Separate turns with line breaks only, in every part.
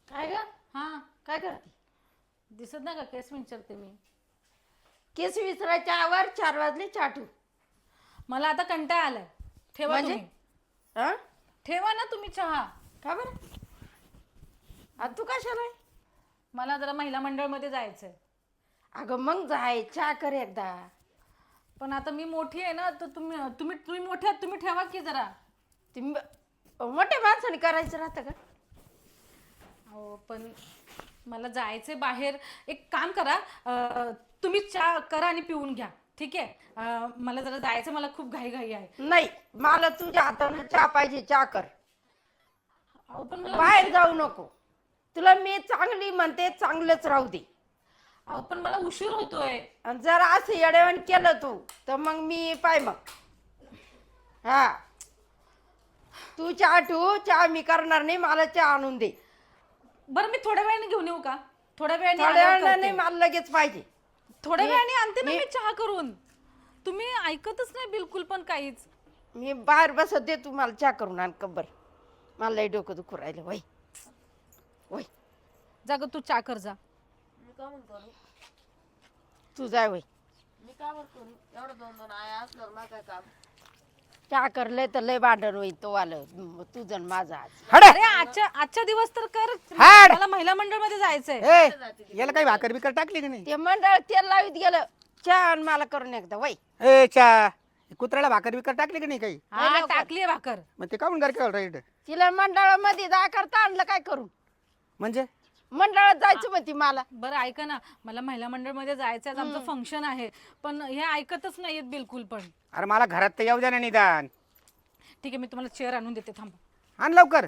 काय ग?
हा
काय करते?
दिसत नाही का केस विचारते मी.
केस विसरायच्या आवर 4 वाजले चाटू.
मला आता कंटाळा आलाय. ठेवा
म्हणजे?
तुम्ही.
हा?
ठेवा ना तुम्ही चहा.
का बरं? आता तू कशाला आहे?
मला जरा महिला मंडळ मध्ये जायचंय.
अगं मग जाय चहा कर एकदा.
पण आता मी मोठी आहे ना, तर तुम्ही तुम्ही तुम्ही मोठे आहात, तुम्ही ठेवा की जरा.
मोठ्या माणसाने करायचं राहतं का?
हो पण मला जायचंय बाहेर. एक काम करा, तुम्ही चहा करा आणि पिऊन घ्या, ठीक आहे? मला जरा जायचं, मला खूप घाई आहे.
नाही, मला तुझ्या हाताने चहा पाहिजे, चहा कर.
अहो पण मला
बाहेर जाऊ नको. तुला मी चांगली म्हणते, चांगलंच राहू दे.
अहो पण मला उशीर होतोय.
आणि जर असं येडेवण केलं तू तर मग मी पाय मग. हा, तू चहा ठेवू, चहा मी करणार नाही, मला चहा आणून दे.
बरं मी थोड्या वेळाने घेऊन येऊ का? थोड्या वेळाने
थोड्या
आल्यावर
वेळानं नाही,
करते.
मला लगेच पाहिजे.
थोड्या वेळाने आणते ना
मी-
मी चहा करून. तुम्ही ऐकतच नाही बिलकुल पण काहीच.
मी बाहेर बसत दे, तू मला चहा करून आण कब्बर. मला लई डोकं दुखू राहिलं. वय वय,
जा ग तू चहा कर जा.
मी का म्हणून करू?
तू जाय वय.
मी का बरं करू? एवढं 2-2 आया असल्यावर मला काय काम?
चहा करलंय तर लय भांडण होईल तो आलं तुझं आणि माझं आज.
अरे आजच्या दिवस तर कर.
हाड.
मला महिला मंडळ मध्ये जायचंय.
ए याला काही भाकर बिकर टाकली की नाही?
ते मंडळ तेल लावीत गेलं. चहा आण मला करून एकदा वय.
ए चा कुत्र्याला भाकर बिकर टाकली की नाही काही?
हा टाकलीये भाकर.
मग ते काऊन घर राईट
तिला मंडळामध्ये जा करता आणलं काय करून?
म्हणजे
मंडळात जायचं म्हणती मला.
बरं ऐका ना, मला महिला मंडळ मध्ये जायचंय, आज आमचं फंक्शन आहे. पण हे ऐकतच नाहीयेत बिलकुल पण.
अरे मला घरात तर येऊ द्या ना निदान.
ठीक आहे, मी तुम्हाला चेअर आणून देते, थांबा.
आण लवकर.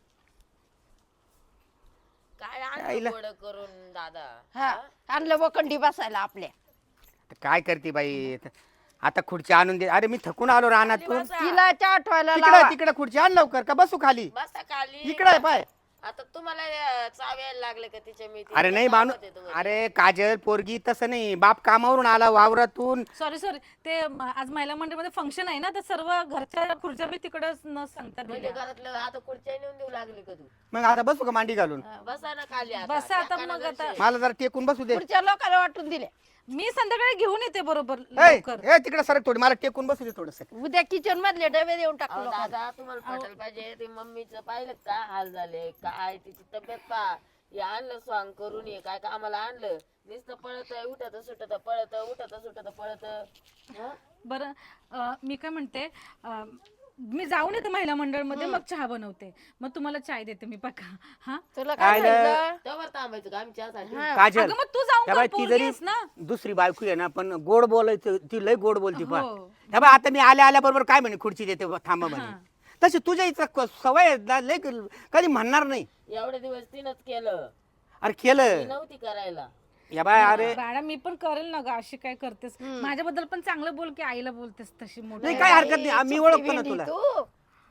काय
आईला.
आणलं गोड करून दादा?
हा, आणलं वखंडी बसायला आपल्या.
तर काय करते बाई? आता खुर्ची आणून दे. अरे मी थकून आलो रानातून.
तिला चहा ठेवायला
तिकडे
लावा.
तिकडे खुर्ची आण लवकर, का बसू खाली?
बसा खाली.
इकडे आहे पाय.
आता तुम्हाला चावायला लागले का तिच्या मी
अरे नाही बानू. अरे काजल पोरगी तसं नाही. बाप कामावरून आला वावरातून.
सॉरी ते आज महिला मंडळ मध्ये फंक्शन आहे ना, तर सर्व घरच्या खुर्च्या मी तिकडच न सांगता
म्हणजे
दिल्या.
घरातलं आता खुर्च्या नेऊन देऊ लागली का तू?
मग आता बसू का मांडी घालून?
बसा ना खाली आता.
बसा आता
त्या
मग
कानाला
आता.
मला जरा टेकून बसू दे.
पुढच्या लोकांना वाटून दिले.
मी संध्याकाळी घेऊन येते बरोबर
ए
लवकर.
ए, तिकडे सरक थोडी, मला टेकून बसू दे थोडस.
उद्या किचन मधले डबे देऊन टाकू
अहो
लोकांना.
दादा तुम्हाला पटायला पाहिजे. ते मम्मीचं पाहिलं का हाल झाले काय तिची तब्येत पा. हे आणलं स्वांग करून ये काय कामाला आणलं. नुसतं पळत उठत सुटत पळत उठत सुटत पळत.
बरं मी काय म्हणते, मी जाऊन येते महिला मंडळ मध्ये, मग चहा बनवते, मग तुम्हाला चाय देते मी बघा. हा
तुला काय सांगितलं?
तेव्हा थांबायचं का आम्ही चहासाठी?
काजल
अगं मग तू जाऊन
त्या
कर,
बाई ती
पोरगी
जरी
आहेस ना.
दुसरी बायको आहे ना, पण गोड बोलायचं ती लय गोड बोलती. पण
हो.
त्या बाई आता मी आल्या बरोबर काय म्हणे खुर्ची देते थांबा म्हणे. तशी तुझ्या इथं सवय आहे ना, लय कधी म्हणणार नाही.
एवढे दिवस तिनंच केलं.
अरे
ती
केलं
नव्हती करायला.
या बाय. अरे
बाळा मी पण करेल ना ग, अशी काय करतेस? माझ्याबद्दल पण चांगलं बोल की आईला बोलतेस तशी मोठी.
नाही काय हरकत नाही, मी ओळखतो ना
भेंडी
तुला.
तू.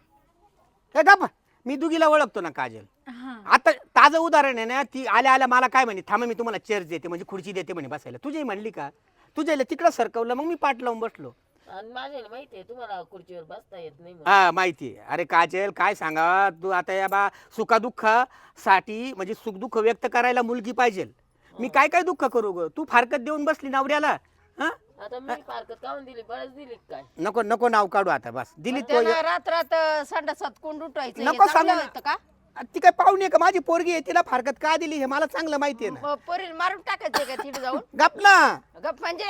हे गप्प, मी दुगीला ओळखतो ना काजल.
हा
आता ताजं उदाहरण आहे ना, ती आल्या मला काय म्हणे, थांबा मी तुम्हाला चेअर देते म्हणजे खुर्ची देते म्हणे बसायला. तुझी म्हणली का? तुझ्या तिकडं सरकवलं, मग मी पाठ लावून बसलो.
आणि माझ्याला माहितीये तुम्हाला खुर्चीवर बसता येत नाही म्हणून.
हा माहिती आहे. अरे काजल काय सांगा तू आता, या बा सुखादुःखासाठी म्हणजे सुखदुःख व्यक्त करायला मुलगी पाहिजे. मी काय काय दुःख करू ग? तू फारकत देऊन बसली नवऱ्याला. हा
आता मी फारकत काऊन दिली? बळच दिली का काय?
नको नको नाव काढू आता, बस दिली तो.
त्यानं रात्रात संडासात कोंड उठवायचं.
नको
हे चांगलं
सांगू.
होतं का?
ती काय पाहुणे का माझी पोरगी आहे, तिला फारकत का दिली हे मला चांगलं माहिती आहे ना.
पोरीला मारून टाकायचे का तिथे जाऊन?
गप ना.
गप म्हणजे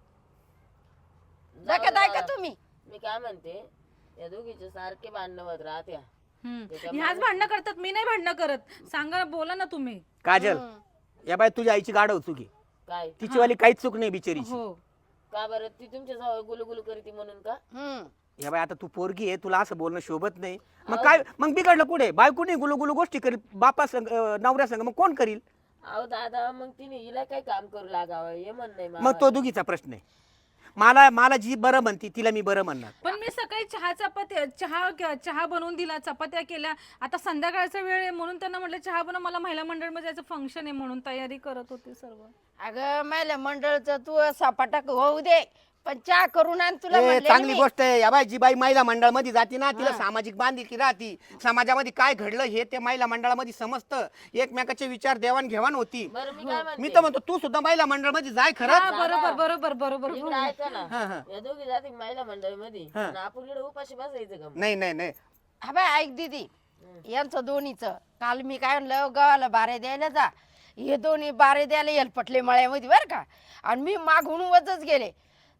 जाऊ
डकत आहे का
दे.
तुम्ही?
मी काय म्हणते, या दोघीचे सारखे भांडणं होत राहत्या.
ह्याच भांडणं करतात, मी नाही भांडणं करत. सांगा, बोला ना तुम्ही.
काजल या बाय तुझ्या आईची गाढव चुकी.
काय
तिची वाली काहीच चूक नाही बिचारीची.
हो
का बरं? ती तुमच्या जवळ गुलगुलू करते म्हणून का?
या बाय आता तू पोरगी आहे, तुला असं बोलणं शोभत नाही. मग काय मग बिघडलं कुठे? बायको नाही गुलू गोष्टी करील बापा संग नवऱ्या संग, मग कोण करील?
अहो दादा मग तिने हिला काय काम करू लागावं हे म्हण नाही
मग तो दुगीचा प्रश्न आहे. मला जी बरं म्हणती तिला मी बरं म्हणणार.
पण मी सकाळी चहा बनवून दिला, चपात्या केल्या. आता संध्याकाळचा वेळ आहे म्हणून त्यांना म्हटलं चहा बनव, मला महिला मंडळ मध्ये जायचं फंक्शन आहे म्हणून तयारी करत होते सर्व.
अगं महिला मंडळचं तू सपाटा होऊ दे, पण चहा करून आण तुला
ए,
म्हणले ना
चांगली
मी.
गोष्ट आहे या बाई जी बाई महिला मंडळ मध्ये जाते ना तिला सामाजिक बांधिलकी राहती समाजामध्ये काय घडलं हे ते महिला मंडळामध्ये समजतं एकमेकाचे विचार देवाणघेवाण होती
बरं मी काय
मी
म्हणते
तर म्हणतो तू सुद्धा महिला मंडळ मध्ये जाय
हा,
खरंच
बरोबर बरोबर बरोबर
इकडे ऐका ना
हा, हा.
या दोघी जाती महिला मंडळीमध्ये
हा.
आणि आपण इकडे उपाशी बसायचं का मग?
नाही नाही नाही
हा बाय ऐक दीदी यांचं दोन्हीचं काल मी काय म्हणलं गावाला बारे द्यायला जा हे दोन्ही बारे द्यायला हेलपटले मळ्यामध्ये बरं का आणि मी मागून वजच गेले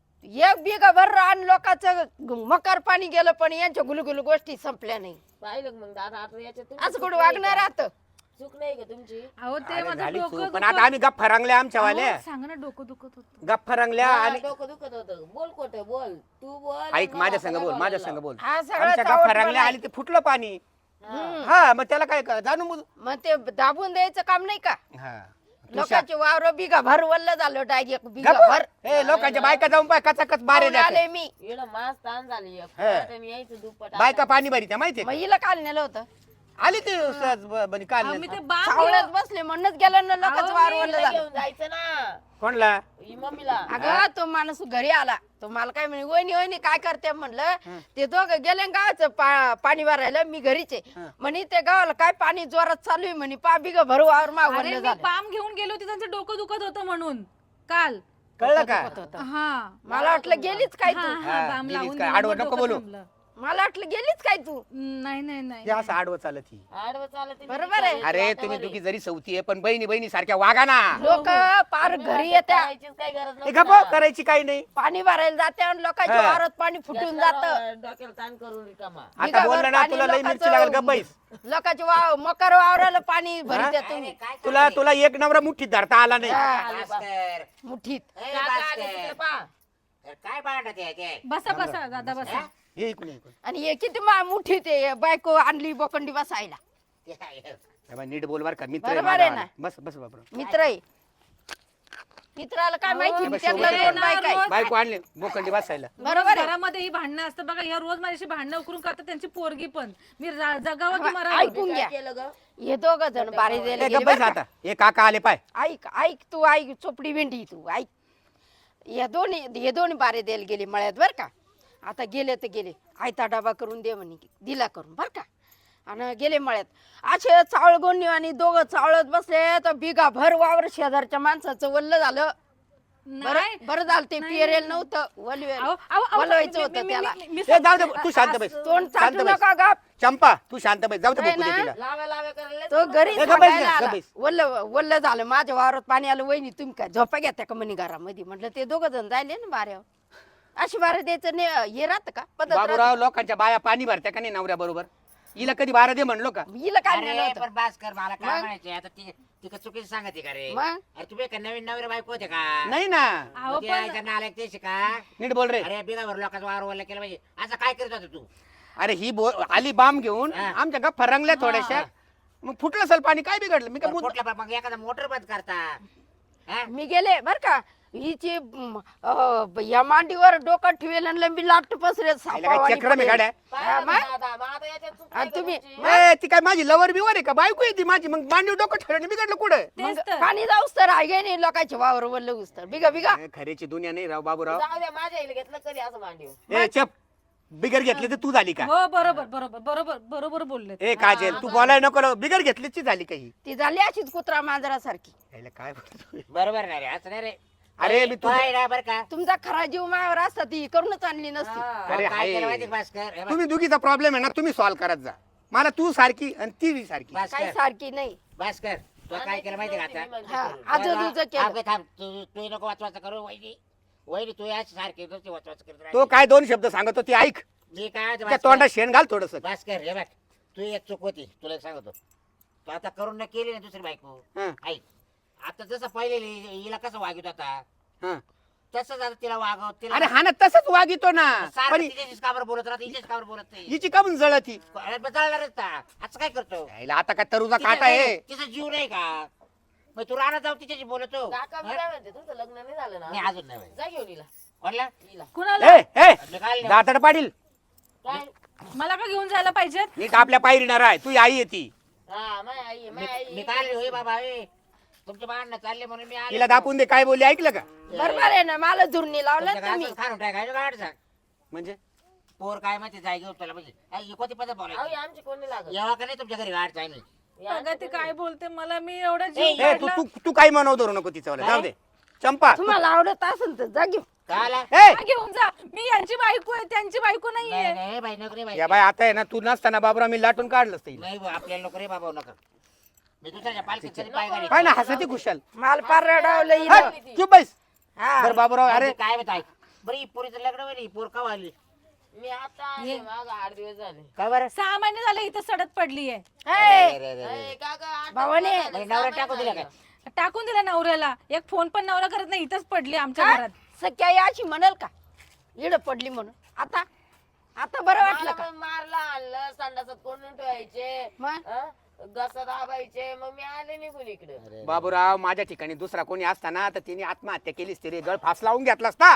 एक बिघा भर रान लोकांचं मकर पाणी गेलं पण यांच्या गुलगुलू गोष्टी संपल्या नाही
पाहिलं का मग दादा आता याच्यात तुमची
असं
चूक
कुठं
नाही
वागणार
का?
राहतं
चूक नाही का तुमची
अहो ते
अरे
माझं
झाली
डोकं
चूक. पण
दुखत-
आता आम्ही गप्पा रंगल्या आमच्यावाल्या
अहो, सांगा ना डोकं दुखत होतं
गप्पा रंगल्या
हा,
आणि
डोकं दुखत होतं बोल खोट बोल तू बोल
ऐक
आणि
माझ्या
मला
संग
सगळं
बोल माझ्या
बोलायला
संग बोल
हा सगळं
आमच्या
चावट
गप्पा रंगल्या
मला.
आणि ते फुटलं पाणी
लाव.
हा मग त्याला काय जाणून बुजून
मग ते दाबून द्यायचं काम नाही का
हा
लोकांचे वावर बिघा भर वल्ल झालं डायरेक्ट बिघा
गप्प.
भर
ए लोकांच्या बायका जाऊन पाय कचाकच बारे
पाहून आले
द्या
मी
इकडं मास ताण झाली
हा.
यायचं दुप्पट
बायका पाणी भरी त्या माहितीये
मग
का?
हिला काल नेलं होतं
आली ती सहज बनी काल
अहो, मी ते बाम
सावळ्यात बसले म्हणूनच गेलं ना लोकांचं वावर वल्ल
हिला
झालं
घेऊन जायचं ना
कोणला
ही मम्मीला
अगं तो माणूस घरी आला तो मला काय म्हणे वहिनी वहिनी काय करते म्हणलं ते दोघं गेले न गावाचं पाणी भरायला मी घरीच आहे म्हणे ते गावाला काय पाणी जोरात चालू आहे म्हणे पा बिग भरू वावर
अरे
मागवलं
मी
झालं
बाम घेऊन गेलो होते त्यांचं डोकं दुखत होतं म्हणून काल
कळलं का
दुखत होतं.
हा
मला वाटलं गेलीच काय
हा
तू
हा
हा,
बाम
गेलीच
लावून
काय?
दिलं,
आडवं
मग
नको
डोकं
बोलू.
थांबलं.
मला वाटलं गेलीच काय तू
नाही नाही नाही
ते असं आडवं चालत ही
आडवं चालत नाही,
बरोबर आहे.
बिचारी
अरे
वाटावर
तुम्ही
आहे.
दुखी जरी सवती आहे पण बहिणी बहिणी सारख्या वागा ना
लोक पार
तुम्ही
घरी
असं
येत्या
करायचीच काही गरज
हे
नव्हती
गप्प
ना.
करायची काही नाही
पाणी भरायला जाते आणि लोकांच्या
हा.
वावरात पाणी फुटून जात
डोक्याला ताण करून रिकामा
आता बोललं ना तुला लई मिरची लागल गप्पाईस
लोकांच्या वाव मकर वावराला पाणी भरित्या तुम्ही
तुला तुला एक नवरा मुठीत धरता आला नाही
भास्कर
मुठीत
ए,
काका आले
भास्कर.
तिकडे पहा.
अरे काय भांडत आहे ते?
बसा बसा दादा बसा
हे ऐकून ऐकून
आणि हे किती मुठीत आहे बायको आणली बोकंडी बसायला
ते आहे.
हे बघ, नीट बोल बर का मित्र आहे
बरोबर आहे
माझा.
ना?
बस बस बाबा
मित्र आहे मित्राला काय माहिती
अहो,
त्यातलं
शेवटी
दोन बायका आहे.
बायको आणली बोकंडी बसायला
बरोबर आहे
घरामध्ये ही भांडणं असतं बघा ह्या रोज माझ्याशी भांडणं उकरून करतात त्यांची पोरगी पण मी जगावं की
हा,
मरावं
ऐकून
काय
घ्या
केलं ग
हे दोघ जण बारी द्यायला
ए,
गेले
गप्प बस
बरं का?
आता हे काका आले पाय
ऐक ऐक तू ऐक चोपडी भेंडी तू ऐक हे दोन्ही बारे द्यायला गेले मळ्यात बर का आता गेले तर गेले आयता डबा करून दे म्हणे दिला करून बर का आणि गेले मळ्यात असे चावळ गोंडी आणि दोघं चावळत बसले तर बिगा भर वावर शेजारच्या माणसाचं वल्ल झालं
नाही.
बरं झालं ते
नाही,
पेरेल
नाही.
नव्हतं
अहो, अहो, अहो,
वलवायचं
मी-
होतं
मी-
त्याला
मी- मी-
ए, जाऊ दे तू शांत बैस
तोंड
शांत
चाटू
बैस
नका गाप
चंपा तू शांत बैस जाऊ दे
नाही
बघू दे
ना.
तिला
लाव्या लाव्या करायला
तो घरी
ए, गप्प बस
सांगायला
ना,
आला.
गप्प बस.
वल्ल वल्ल झालं माझ्या वावरात पाणी आलं वहिनी तुम्ही काय झोपा घेत्या का म्हणे घरामध्ये म्हटलं ते दोघं जण जायले ना बाऱ्यावर अशी बारा द्यायचं हे राहतं का पद्धत
बाबूराव
राहते.
लोकांच्या बाया पाणी भरत्या का नाही नवऱ्या बरोबर हिला कधी बारा दे म्हणलो का
हिला काय नेलं
अरे
होतं?
पण भास्कर मला काय
मग?
म्हणायचे आता ती का चुकीचं सांगते का रे
मग?
अरे तुम्ही का नवीन नवरे बायको होते का
नाही ना
अहो,
मग ते
पण-
यायचं नालायक तेच का
नीट बोल रे
अरे बिगावर लोकांचं वावर वल्ल केलं पाहिजे असं काय करत होता तू
अरे ही आली बाम घेऊन
हा.
आमच्या गप्पा रंगल्या थोड्याशा मग फुटलं असेल पाणी काय बिघडलं मी काय मुद्दा-
कुठल्या मग एखादा मोटर बंद करता हा?
मी गेले बर का हिची या मांडीवर डोकं ठेवेल आणि लंबी लाट पसरे
आईला काय चक्रम आहे गाड्या
पाहिलं
मग?
का दादा? मग आता याच्यात चूक नाही
आणि
का
तुम्ही
तुमची?
ए, ती काय माझी लवर बिवर आहे का बायको आहे ती माझी मग मांडीव डोकं ठेवलं बिघडलं कुठं
तेच तर.
पाणी जाऊस तर आहे नाही लोकांचे वावर वल्ल तर बिगा बिगा
ए, खरेची दुनिया नाही राव बाबूराव
जाऊ द्या माझ्या आईला घेतलं कधी असं मांडीव
ए चप बिगर घेतली तर तू झाली का
हो बरोबर बरोबर बरोबर बरोबर बोलले
ए काजल तू बोलायला नको बिगर घेतलीची झाली काही
ती झाली अशीच कुत्रा मांजरासारखी
यायला काय बोलतोय?
बरोबर नाही रे असं नाही रे
अरे मी
तो आहे ना बरं का
तुमचा खरा जीव मायावर असता ती करूनच आणली नसती
तो
अरे
काय
आहे.
केलं माहिती का भास्कर हे बघ,
तुम्ही दुखीचा प्रॉब्लेम आहे ना तुम्ही सॉल्व्ह करत जा मला तू सारखी आणि ती बी सारखी
काही
भास्कर
सारखी नाही
भास्कर तो काय केलं माहिती का आता
हा आजूबाजूचं केलं
थांब थांब तू नको वाचवाचा करू वहिनी वहिनी तू याच सारखे नुसती वाचवाच करत राहते.
तो काय दोन शब्द सांगतो ती ऐक
मी काय म्हणतो
त्या तोंडात
भास्कर
शेण घाल थोडस
भास्कर, हे बघ तू एक चूक होती तुला एक सांगतो तू आता करून न केली ना दुसरी बायको ऐक आता जसं पहिले हिला कसं वागित होता तसंच आता तिला वागव तिला
अरे हा ना तसंच वागितो ना
सारखं
पण
तिच्याशीच काबर बोलत राहत हिच्याच काबर बोलत नाही
हिची का म्हणून जळती
अरे मग जळणारच ना असं काय करतो
यायला आता काय तरुचा काटा आहे
तिचा जीव नाही का मग तू राहणार जाऊ तिच्याशी बोलतो
काका मी काय म्हणते तुझं लग्न नाही झालं
नाही
ना
अजून नाही व्हायचं.
जा घेऊन हिला
कोणला
हिला
कुणाला
ए ए
मी काय
दातड पाडील
काय
मला का घेऊन जायला पाहिजेत
नीट आपल्या पायरीणार आहे तू आई आहे ती
हा माय आई आहे, माय आई
मी
आहे.
काय होय बाबा तुमचे भांडणं चालले म्हणून मी आले.
तिला दापून दे काय बोलली ऐकलं का
बरोबर आहे ना मला झुरणी लावलं
तुमच्या
ना तुम्ही
घरातच खाणून टाकायचं गाडचा.
म्हणजे
पोर काय माहिती जाय घेऊन तुला म्हणजे आई, कोणती पद्धत
अहो
बोलायची
आमची कोणी लागत
यावा का नाही तुमच्या घरी गाड चालली.
अगं ती काय बोलते मला मी एवढा जीव
ए तू
काढला.
तू तू काही म्हणव धरू नको तिचं जाऊ दे चंपा
तुम्हाला आवडत असेल तर जा घेऊन.
काय आला?
ए
हा, घेऊन जा मी यांची बायको आहे त्यांची बायको नाहीये
नाही नाही बाई नको रे बाई.
या बाय आता आहे ना तू नसताना बाबरा मी लाटून काढलंच ते
नाही बुवा, आपल्याला नको रे बाबा नको. मी दुसऱ्याच्या पालखीत तरी पाय घालीन.
काय ना हसती खुशाल
माल पार रडावलं
हट,
हिनं.
चुप बैस
हा.
बरं बाबूराव
अरे
अरे
काय माहिती बरं ही पोरीचं लग्न होईल, ही पोर का आली
मी आता आले माग 8 दिवस झाले.
काय बरं
6 महिने झाले इथं सडत पडलीये
हे,
रे, रे, रे, रे.
ए, काका, 8
भावाने.
दिवस झाले,
बाई, नवरा
6
टाकून दिला
महिने
काय?
टाकून दिला नवऱ्याला एक फोन पण नवरा करत नाही इथंच पडली आमच्या
हा?
घरात
सख्या अशी म्हणाल का इड पडली म्हणून आता आता बरं वाटलं
मला
का
पण मारला आणलं संडासात कोंडून ठेवायचे
मग
घसा दाबायचे मग मी आले निघून इकडे.
बाबूराव माझ्या ठिकाणी दुसरा कोणी असताना तर तिने आत्महत्या केलीच तरी गळ फास लावून घेतला असता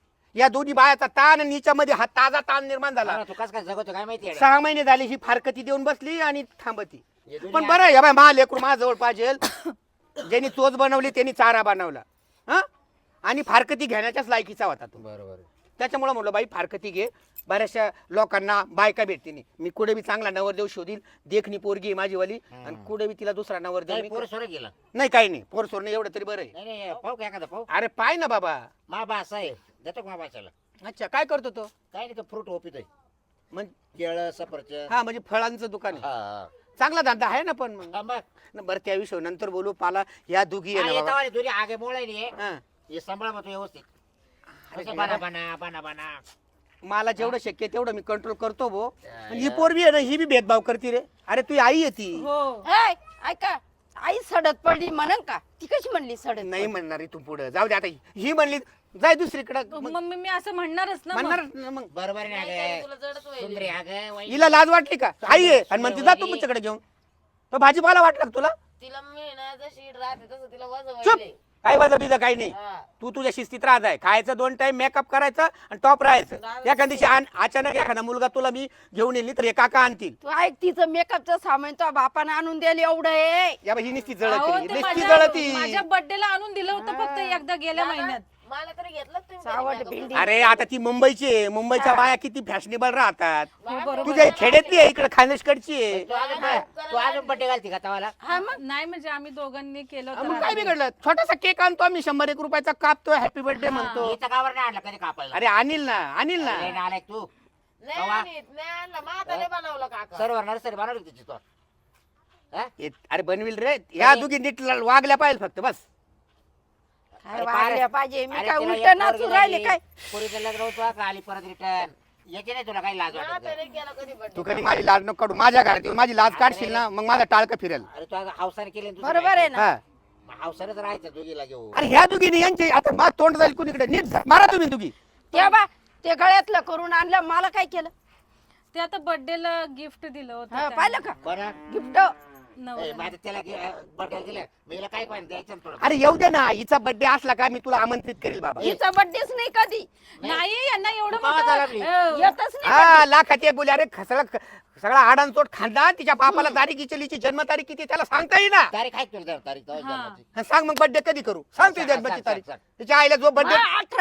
या दोन्ही बायाचा ताण आणि हिच्यामध्ये हा ताजा ताण निर्माण झाला
हा, तू कस काय जगवतो काय माहिती आहे?
6 महिने झाले ही फारकती देऊन बसली आणि थांबती
हे दुनिया-
पण बरं आहे, या बाय मा लेकरू माझ्याजवळ पाहिजे ज्यांनी चोच बनवली त्यांनी चारा बनवला हा आणि फारकती घेण्याच्याच लायकीचा होता तो
बरोबर
त्याच्यामुळे म्हणलं बाई फारकती घे बऱ्याचशा लोकांना बायका भेटते नाही मी कुठे बी चांगला नवरदेव शोधील देखणी पोरगी आहे माझी वाली आणि कुठे बी तिला दुसरा नवरदेव मी
पोर सोर गेला
नाही काही नाही पोर सोडणं एवढं तरी बरं आहे
नाही नाही पाहू का एखादा पाहू
अरे पाय ना बाबा
मा बा असा आहे देतो का मा बाच्याला
अच्छा काय करतो तो
काय नाही तो फ्रूट ओपितोय
म्हणजे
केळ सफरचंद
हा म्हणजे फळांचं दुकान आहे
हा,
चांगला धंदा आहे ना पण मग
हा. मग
न, बरं त्या विषयी नंतर बोलू मला या दुघी आहे ना बाबा.
तुझी आगे मोळ आहे
हा.
हे सांभाळ मग तू व्यवस्थित
अरे
कसं
देवा.
बना
मला जेवढं शक्य आहे तेवढं मी कंट्रोल करतो भो आणि ही पोरबी आहे ना ही बी भेदभाव करते रे अरे तू आई आहे ती
हो
ए, ऐका आई सडत पडली म्हणन का ती कशी म्हणली सडत
नाही म्हणणार रे तू पुढे जाऊ दे आता ही म्हणली जाय दुसरीकडे
मम्मी मी असं म्हणणारच ना मग.
म्हणणार ना मग
बरोबर
नाही,
आहे
तुला जडच होईल.
सुंदरी अगं वाई.
हिला लाज वाटली का आई आहे आणि म्हणते जा तू तुमच्याकडे घेऊन तो भाजीपाला वाटला का तुला
तिला मी ना जशी राहते तसं तिला वजन
चुप
व्हायले.
काय वाजत बिजा काही नाही
हा.
तू तुझ्या शिस्तीत राहत आहे खायचं 2 टाइम मेकअप करायचा आणि टॉप राहायचं एखाद्या दिवशी अचानक एखादा मुलगा तुला मी घेऊन येईल तर हे काका आणतील
तू ऐक तिचं मेकअपचं सामान तो बापानं आणून द्यायला एवढं आहे
या बाई, ही नुसती
अहो,
जळती
ते
नुसती
माझ्या
जळती
बर्थडेला आणून दिलं होतं फक्त एकदा गेल्या
दादा,
महिन्यात
मला तरी घेतलं तुम्ही
सावट
कधी
भेंडी
अरे आता ती मुंबईची आहे मुंबईच्या बाया किती फॅशनेबल राहतात
बरोबर.
तुझ्या खेड्यातली आहे इकडे खानदेशकडची आहे
तू अजून बड्डे घालती का तवाला
हा मग
नाही म्हणजे आम्ही दोघांनी केलं होतं
मग काय
रात्री.
बिघडलं छोटासा केक आणतो आम्ही 100-1 रुपयाचा कापतो हॅपी बर्थडे म्हणतो
इथं कावर नाही आणला कधी कापायला
अरे आणील ना आणील ना
लय नालायक तू
नाही आणत, नाही आणलं म्हाताने बनवलं काका
सर्व नर्सरी बनवली तिची तो हा?
अरे बनविल रे ह्या दोघी नीट वागल्या पाहिजे फक्त बस
काय
अरे
वागल्या पाहिजे मी
अरे
काय
तिला
उलट
एक
नाचून
पोरगी
राहिले
झाली,
काय
पोरीचं लग्न होतं का आली परत रिटर्न याची नाही तुला काही लाज वाटत का?
म्हाताने केलं कधी
तू
बड्डे
कधी माझी लाज नको काढू माझ्या घरात येऊन माझी लाज काढशील ना मग माझा टाळकं फिरेल
अरे तू आता हावसाने केली
बरोबर आहे ना
हा
हावसानेच राहायचं दोघीला घेऊ
अरे ह्या दुघीने यांचे आता मा तोंड जाईल कुणीकडे नीट जा. मारा तुम्ही दुघी
ते बा ते गळ्यातलं करून आणलं मला काय केलं
ते आता बर्थडेला गिफ्ट दिलं होतं
हा,
त्यांनी.
पाहिलं का
बरं
गिफ्ट
नवऱ्याला.
माझं त्याला बड्डे दिलं मी हिला काय पाहिजे द्यायचं ना थोडं
अरे येऊ दे ना हिचा बर्थडे असला का मी तुला आमंत्रित करेल बाबा
हिचा बड्डेच नाही कधी
नाही यांना एवढं
पावा
मोठं,
झाला आपली.
येतच नाही
हा लाखात एक बोली अरे सगळा आडांचोट खांदा तिच्या बापाला तारीख इचलीची जन्मतारीख किती त्याला सांगता येईना
तारीख आहे तुला द्या, तारीख तेव्हा
हा.
जन्माची.
हा, सांग मग बर्थडे कधी करू सांग तुझी
सांग,
जन्माची
सांग,
तारीख
सांग.
तिच्या आईला जो बर्थडे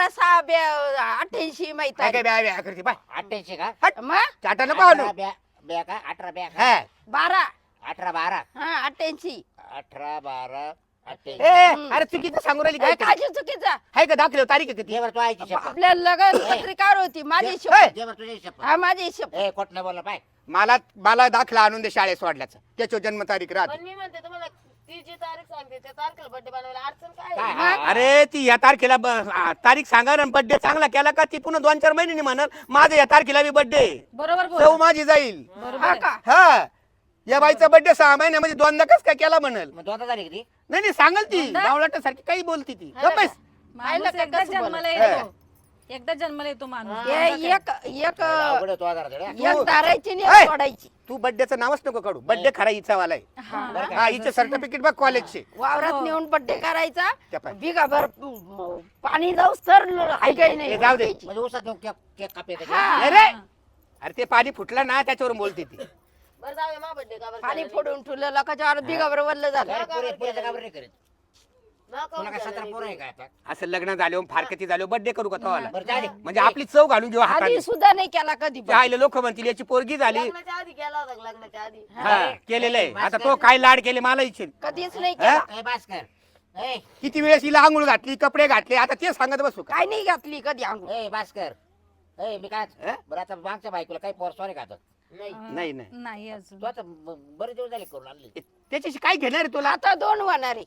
1888 माहित
काय काय
आहे
ब्या ब्या करते बाय
88 का
मग
चाटा नको आणू
18 ब्या का 18 ब्या का?
हा
12
18 12
हा 88
18 12 88
ए अरे चुकीचं सांगू राहिली
काय
काय
काळजी चुकीचा
आहे का दाखले तारीख आहे किती
दे बरं तू आईची शपथ
आपल्या लग्न पत्रिकावर होती माझी
ए,
शपथ
दे बरं तुझी शपथ
हा माझी शपथ
ए कोट नाही बोलला पाय
मला दाखला आणून दे शाळेत सोडल्याचं त्याच्या जन्मतारीख राहते
पण मी म्हणते तुम्हाला ती जी तारीख सांगते त्या तारखेला बड्डे बनवायला अडचण काय
काय?
आहे?
हा, हा.
अरे ती या तारखेला तारीख सांगा ना बर्थडे चांगला केला का ती पुन्हा 2-4 महिन्यांनी म्हणल माझं या तारखेला बी बर्थडे
बरोबर बोल
सौ माझी जाईल
हा का
हा या बाईचा बर्थडे 6 महिन्यामध्ये 2दा कस काय केला म्हणल
मग 2 तारीख ती
नाही सांगल ती गावलाट सारखी काही बोलती ती गप्प बस.
माणूस
का
एकदा
कसं
जन्माला
बोलत?
येतो एकदा जन्माला येतो माणूस
हे एक
अवघड आहे तो आधार दे रे.
एक धारायची
ए!
नाही सोडायची
तू बर्थडेचं नावच नको काढू बर्थडे खरा हिचा वाला आहे
बरं का?
हा हिचे सर्टिफिकेट बघ कॉलेजचे
वावरात नेऊन बड्डे करायचा
त्या पाय.
बिगाभर पाणी जाऊस तर हाय काही नाही
हे जाऊ दे.
म्हणजे उसात नेऊन केक कापे
हा.
नाही रे अरे ते पाणी फुटलं ना त्याच्यावरून बोलते ती
बरं जाऊया मा बड्डे का बरं
पाणी
झालं
फोडून ठेवलं लोकांच्या वावरात बिगाभर वल्ल झालं
पुरेचं का बरं नाही करीत तुला काय 17 पोरं आहे का आता?
असं लग्न झाले फारकती झाले बर्थडे करू का तवाला
बरं जाऊ दे.
म्हणजे आपली चव घालून घेऊ हाताने
आधी सुद्धा नाही केला कधी पण.
राहिले लोक म्हणतील याची पोरगी झाली
लग्नाच्या आधी केला होता का? लग्नाच्या आधी
हा केलेलं आहे आता तो काय लाड केले मला इच्छित
कधीच नाही
हा?
केला.
ए भास्कर ए
किती वेळेस हिला आंघोळ घातली कपडे घातले आता ते सांगत बसू का
काय नाही घातली कधी अंघोळ.
ए भास्कर ए मी काय
हा?
बरं आता मागच्या बायकोला काही पोर सॉरी का आता?
नाही
नाही नाही
नाही अजून
तू आता बरेच दिवस झाले करून आणली
त्याच्याशी काय घेणार आहे तुला
आता 2 होणार आहे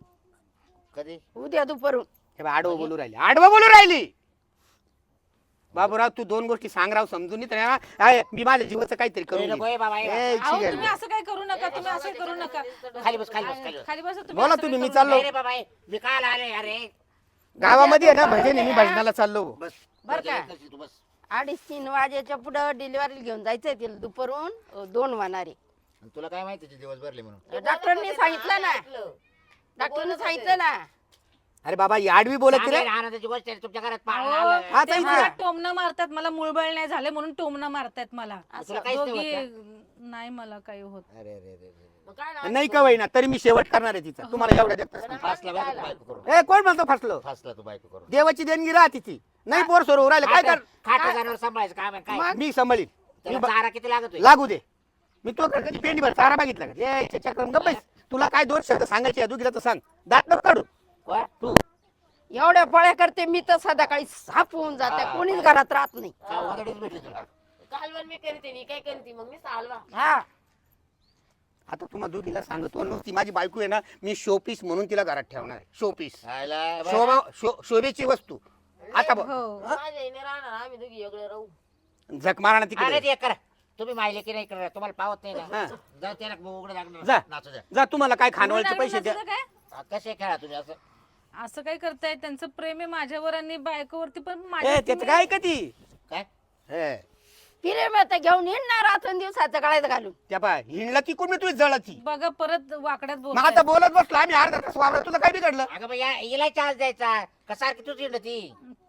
कधी
उद्या दुपारून.
हे बघ, आडवं बोलू राहिली आडवं बोलू राहिली बाबूराव तू 2 गोष्टी सांग राव समजून नाही तर ना, आहे, मी माझ्या जीवाचं काहीतरी
ए,
करून
नको
घेईन.
ए बाबा ए.
ए,
अहो
चिघल.
तुम्ही असं काय करू नका तुम्ही असं करू नका
खाली बस खाली बस खाली बस
खाली बसा तुम्ही
बोला
असं
तुम्ही
काय
मी
करू
चाललो
नाही रे बाबा ए, मी काल आले अरे
गावामध्ये आहे ना भजन आहे, मी भजनाला चाललो
बस
बरं का?
तू बस
2:30-3 वाजेच्या पुढं डिलिव्हरी घेऊन जायचंय तिला दुपारून 2 होणार आहे.
आणि तुला काय माहिती ते दिवस भरले म्हणून
डॉक्टरने सांगितलं ना डॉक्टरने सांगितलं ना.
अरे बाबा ही आडवी बोलत रे
चांगली आनंदाची गोष्ट आहे तुमच्या घरात पाहुणे
अहो,
आलं.
हा,
ते
ताईच
मला
आहे.
टोमणं मारतात मला मुळबळ नाही झाले म्हणून टोमणं मारतात मला
तुला काहीच नाही
दोघी
होत
नाही मला काही होत
अरे अरे अरे अरे.
मग काय ना
नाही का ना तरी मी शेवट करणार आहे तिचा तुम्हाला एवढ्या देखता
फासला बायको तू बायको करून
ए कोण म्हणतो फसलो
फासला तू बायको करून
देवाची देणगी राहते ती नाही पोर सोर राहिले काय कर
खाट जनावर सांभाळायचं काम आहे काय
मी सांभाळीन
त्याला चारा किती लागत
लागू दे मी तो कधी पेंडी भर चारा मागितला का ए चक्रम गप्प बस. तुला काय 2 शब्द सांगायचे दुखीला तर सांग दात नको काढू तू
एवढ्या पळ्या करते मी तर संध्याकाळी साफ होऊन जाते कोणीच घरात राहत नाही.
भेटली तुला
कालवण मी करते मी काय करते मग मी हलवा
हा
आता तुम्हाला दुखीला सांगतो नुसती माझी बायको आहे ना मी शोपीस म्हणून तिला घरात ठेवणार आहे शोपीस
खायला बरं.
शोभा शोभेची वस्तू आता बघ
हो
माझ्या इने राहणार आम्ही दोघी वेगळे राहू
झक मारा ना
अरे
तिकडे
ते करा तुम्ही माहिले की नाही करा तुम्हाला पावत नाही
हा.
ना जाऊ त्याला उघडं
जा.
लागणार नाचू द्या
जा तुम्हाला काय खानवळचे पैसे द्या
नाचलं काय
हा, कसे खेळा तुम्ही असं
असं काय करताय त्यांचं प्रेम आहे माझ्यावर आणि बायकोवरती पण
ए
माझ्या
त्याचं काय कधी
काय
हे
फिरे मग आता घेऊन येणार रात्र दिवसाचं गळ्यात घालून.
त्या पाय हिंडला ती कोण तुझी जळाची
बघा परत वाकड्यात
मग
बोलताय.
आता बोलत बसलो आम्ही अर्धा तास वावरत तुला काय बिघडलं
अगं बाई हिला चान्स द्यायचा का सारखी तुझी ना ती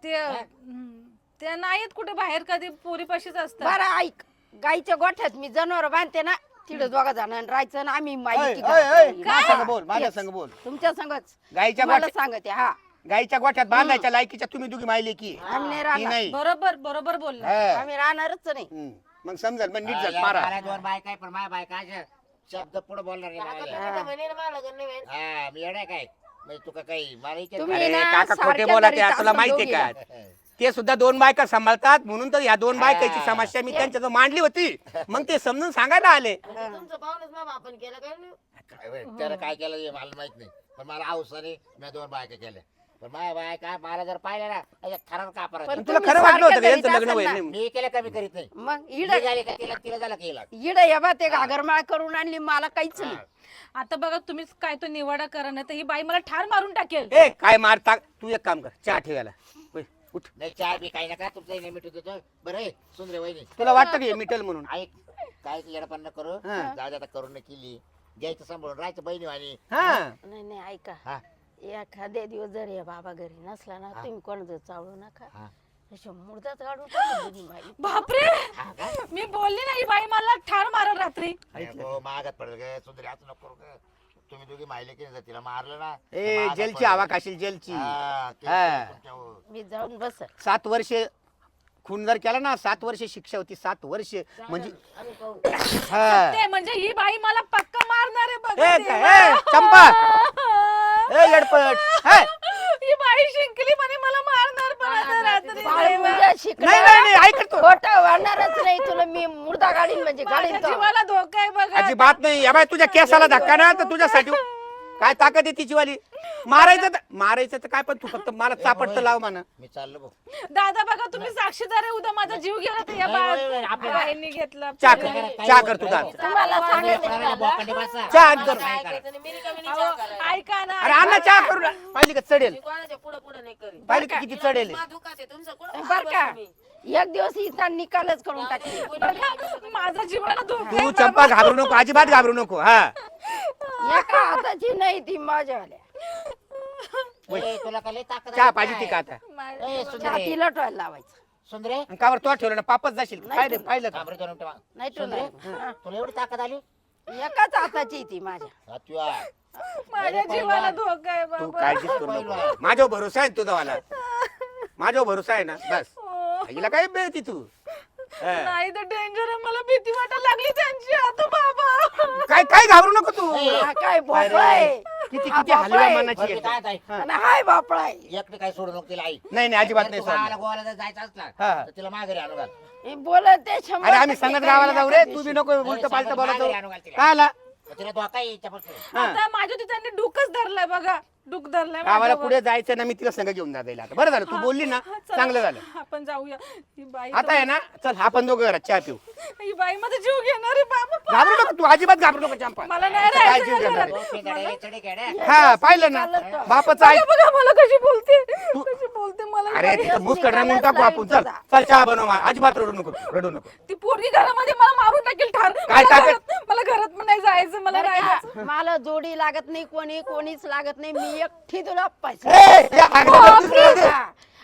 ते नाहीत कुठे बाहेर कधी पोरीपाशीच असतात
बरं ऐक गाईच्या गोठ्यात मी जनावर बांधते ना तिकडे 2 जणांना राहायचं ना आम्ही माहिती
माझ्या संग बोल माझ्या संग बोल
तुमच्या संगच
गाईच्या
मला
गोठ्यात
सांगते हा
गाईच्या गोठ्यात बांधायच्या लायकीच्या तुम्ही दोघी माहिली की
आम्ही नाही
ती
राहणार
नाही
बरोबर बरोबर बोलला
हा.
आम्ही राहणारच नाही.
मग समजाल मग नीट
हा,
जात
या
मारा
मला 2 बायका आहे पण माझ्या बायका अशा शब्द पुढे बोलणार नाही
आता
मला.
तुम्ही तर म्हणे ना मला लग्न नाही व्हायचं.
हा मी येणार काय म्हणजे तुका काही मला इथे
तुम्ही
अरे
ना
काका खोटे
सारख्या
बोला
घरी
तुला माहितीये का
दोघीला.
ते सुद्धा 2 बायका सांभाळतात म्हणून तर या 2 बायकाची
हा.
समस्या मी त्यांच्या मांडली होती मग ते समजून सांगायला आले
तुमचं पाहुणच मग आपण केलं काय नाही?
काय बाई, त्यानं काय केलं हे मला माहित नाही पण मला हौसाने मी 2 बायका केल्या पण माझ्या बायका मला जर पाहिलं ना अशा खरं का
पण
परत
तुला
तुम्ही
खरं वाटलं होतं का
सारख्या
यांचं
घरीच
लग्न
असाल
होईल
ना.
नाही?
मी केलं कमी करीत नाही
मग
मी
इड
झाली का तिला झालं केला
इड या ते घागरमाळ करून आणली मला काहीच नाही.
आता बघा तुम्हीच काय तो निवाडा करा नाही तर ही बाई मला ठार मारून टाकेल
ए काय मारता तू एक काम कर चहा ठेवायला होय, उठ
नाही चहा बी काही नका तुमचं नाही मिठू देतो बरं आहे सुंदर वहिनी
तुला वाटतं की हे मिटल म्हणून
ऐक काय येडपण करू
हा.
जाऊ दे आता करून केली घ्यायचं सांभाळून राहायचं बहिणी आणि
हा
नाही नाही ऐका
हा
एखाद्या दिवस जर या बाबा घरी नसला ना तुम्ही कोणाचं चावळू नका
हा
अशा मुर्दात काढून टाकू दोन्ही बाई.
बापरे मी बोलली नाही बाई मला ठार मारल रात्री
हो मागात पडेल ग सुंदरी असं नको करू ग तुम्ही दोघी माहिले की नाही तिला मारलं ना
ए
मागात
जेलची
पडेल.
हवा खाशील जेलची
हा, ते
हा.
तुमच्या-
मी जाऊन बस
7 वर्ष खून जर केला ना 7 वर्ष शिक्षा होती 7 वर्ष म्हणजे
आम्ही पाहू.
हा.
ते म्हणजे ही बाई मला पक्का मारणार आहे
ए,
बघा
काय- ए, चंपा ए येडपट हे.
ही बाई शिंकली म्हणे मला मारणार पण आता रात्री
बाळ उद्या
नाही
शिकणार
नाही नाही ऐकतो
खोटं वाढणारच नाही तुला मी मुर्दा गाडीन म्हणजे
माझ्या
गाडीन तो.
जीवाला धोका आहे बघा
अजिबात नाही या बाय तुझ्या केसाला धक्का ना तर तुझ्यासाठी काय ताकद आहे तिची वाली मारायचं तर काय पण तू फक्त मला चापट तर लाव म्हणा
मी चाललो भाऊ.
दादा बघा तुम्ही साक्षीदार आहे उद्या माझा जीव गेला तर या
आपल्या-
बाईंनी घेतला
चहा कर चहा कर तू दादा
तुम्हाला सांगितलं
करायला बोकांडी बसा.
चहा कर
काय ऐकायचं नाही, मी रिकामी नाही
अहो,
चहा करायला.
ऐका ना
अरे अण्णा चहा करू ना. पाहिली का चढेल
मी कोणाच्या पुढं पुढं नाही करीत.
पाहिली का किती चढेल
मला दुखात आहे, तुमचं कुठं
बर का
तुम्ही?
एक दिवस हिचा निकालच करून टाकली
माझा जीवाला धोका
तू चंपा घाबरू नको अजिबात घाबरू नको हा
एका हाताची नाही ती माझ्यावाल्या
ए, तुला काय लय ताकद
चहा
आहे
पाहिजे ती
काय?
का आता
ए, सुंदरे
छातीला टोल लावायचं
सुंदरे
आणि कावर तो ठेवलं ना पापच जाशील काय रे पाहिलं का
थांब रे दोन मिनिटं.
नाही
सुंदरे
टोल
तुला एवढी ताकद आली
एकाच हाताची ती माझ्या.
हा, तू आहे.
माझ्या जीवाला धोका आहे
तू
बाबा.
काळजीच करू नको माझ्यावर भरोसा आहे तुझा वाला माझ्यावर भरोसा आहे ना बस
हो.
हिला काय बेळती तू हा.
नाही तर डेंजर आहे, मला भीती वाटायला लागली त्यांची आता बाबा.
काय काय घाबरू नको तू
हा काय भोपळा आहे.
किती
हा
किती
बापा
हलव्या
आहे.
मनाची
बरं,
आहे.
मी काय ताई,
आणि हाय भोपळा आहे.
एकटी काय सोडू नको तिला आई.
नाही नाही अजिबात
जर
नाही
तू गावाला
सोडणार.
गोवाला जर जायचं असला
हा.
तर तिला माघारी आणू घाल.
हे बोलत ते 100%
अरे आम्ही संगत गावाला जाऊ रे
एका
तू बी
दिवशी.
नको उलट पालट
सांगत
बोलत
माघारी आणू घाल तिला.
काय आला
तर तिला धोका आहे हिच्यापासून.
आता माझ्या होती त्यांनी डुकच धरलाय बघा, डुक धरलाय
गावाला
माझ्यावर.
पुढे जायचं ना मी तिला संग घेऊन जाता येईल आता बरं झालं तू बोलली ना
हा, चला.
चांगलं झालं
आपण जाऊया. ही बाई
आता आहे ना चल आपण दोघं घरात चहा पिऊ
ही बाई मध्ये जीव घेणार आहे बाबा.
घाबरू नको तू अजिबात घाबरू नको चंपा
मला नाही
काय
राहायचं
जीव
या
घेणार
घरात.
आहे?
तो पेदाडे, चढे खेड्या.
हा पाहिलं ना बापाचं ऐक
बघा मला कशी बोलते, कशी बोलते मला.
अरे
बाई.
तिथं मुस कडनं टाकू आपण चल चल चहा बनव अजिबात रडू नको रडू नको
ती पोरगी घरामध्ये मला मारून टाकेल ठार.
काय
मला
टाकेल?
मला घरात पण नाही जायचं, मला
बरं
राहायचं.
का? मला जोडी लागत नाही कोणीच लागत नाही मी एकटी तुला पैसे
ए, या भागण्यात दुसरं दे.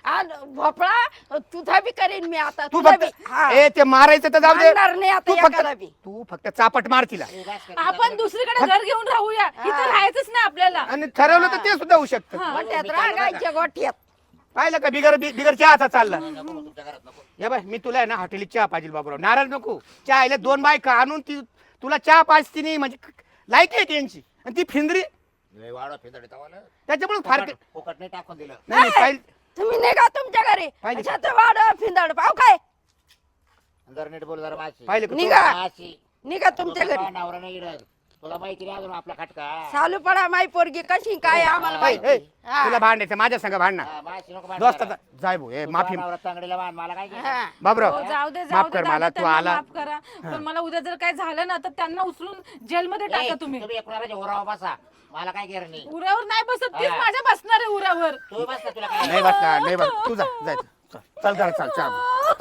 भोपळा तुझा बी करेन मी आता
तू
तुझा
फक्त
बी. हा.
ए ते मारायचं तर जाऊ दे
मारणार नाही आता
तू फक्त
एकाला बी.
तू फक्त चापट मार तिला
ए, बस कर.
आपण दुसरीकडे घर घेऊन राहूया, इथं राहायचंच नाही आपल्याला.
आणि ठरवलं तर ते सुद्धा होऊ शकतं
गोठ्यात रागायच्या गोठ्यात.
पाहिलं का बिगर चहाचा चालला
नको, तुमच्या घरात नको.
या बाय मी तुला आहे ना हॉटेली चहा पाहिजे बाबूराव नाराज नको चहा आले 2 बायका आणून ती तुला चहा पाजती नाही म्हणजे लायकी आहे त्यांची आणि ती फिंदरी
लय वाढवा पेदाडे तवाला.
त्याच्यामुळे फार
फुकट फुकट नाही टाकून दिलं.
नाही नाही, पाहिलं
तुम्ही निघा तुमच्या घरी
पाहिली का?
अशाचं वाड फिंदाड पाव काय
जर नीट बोल जरा माशी.
पाहिलं का तू?
निघा
माशी.
निघा तुमच्या
तुझा
घरी
नवरा नाही इकडं. तुला माहिती नाही अजून आपला खटका.
चालू पडा माई पोरगी कशी काय आम्हाला
ए,
माहिती
ए,
हा.
तुला भांडायचं माझ्या संग भांडणार
हा, माशी नको
दोस्त
भांडणारा.
जाय भाऊ ए
तुझा
माफी
नवरा तांगडीला बांध, मला काय घ्यायचं?
हा.
बाबूराव
हो, जाऊ दे
माफ कर
दादा,
मला तू
त्यांना
आला
माफ करा. पण मला उद्या जर काय झालं ना तर त्यांना उचलून जेलमध्ये
ए,
टाका तुम्ही.
तुम्ही एकूणाला ओरावा बसा. मला काय घेणं नाही.
उऱ्यावर नाही बसत, तीच
हा.
माझ्या बसणार आहे उऱ्यावर.
तू बस ना, तुला काय
नाही बसणार नाही बस तू जा जाय चल चल घर चल चल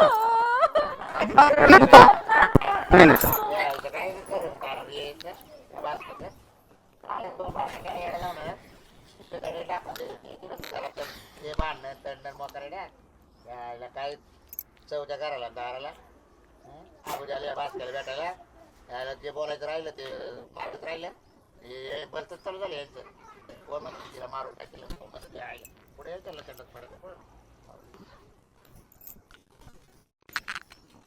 नाही नाही चल.
यायचं काय करू? कारण यायचं. बस कर. काय तो बाहेर काय येडा लावणार? तिकडे टाकून दे. तिकडे चला तर. ते भांडणं, तंडण, मोकरड्या. यायला काय चौथ्या घराला दाराला उद्याला भास्कर भेटायला यायला जे बोलायचं राहिलं ते मागत राहिलं हे बरंच चालू झालं यांचं कोण म्हणतं तिला मारून टाकेल पुढे त्याला तंडत पडत